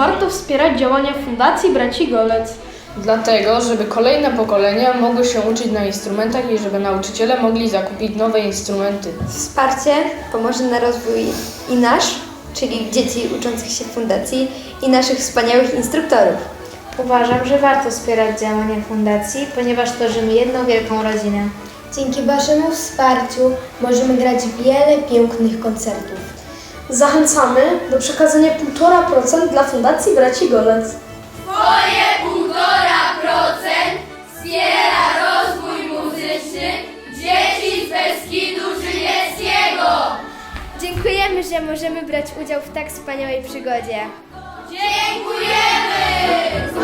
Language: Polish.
warto wspierać działania Fundacji Braci Golec? Dlatego, żeby kolejne pokolenia mogły się uczyć na instrumentach i żeby nauczyciele mogli zakupić nowe instrumenty. Wsparcie pomoże na rozwój i nasz, czyli dzieci uczących się w fundacji, i naszych wspaniałych instruktorów. Uważam, że warto wspierać działania fundacji, ponieważ tworzymy jedną wielką rodzinę. Dzięki Waszemu wsparciu możemy grać wiele pięknych koncertów. Zachęcamy do przekazania 1,5% dla Fundacji Braci Golec. Twoje 1,5% wspiera rozwój muzyczny dzieci z Beskidu Żywieckiego. Dziękujemy, że możemy brać udział w tak wspaniałej przygodzie. Dziękujemy!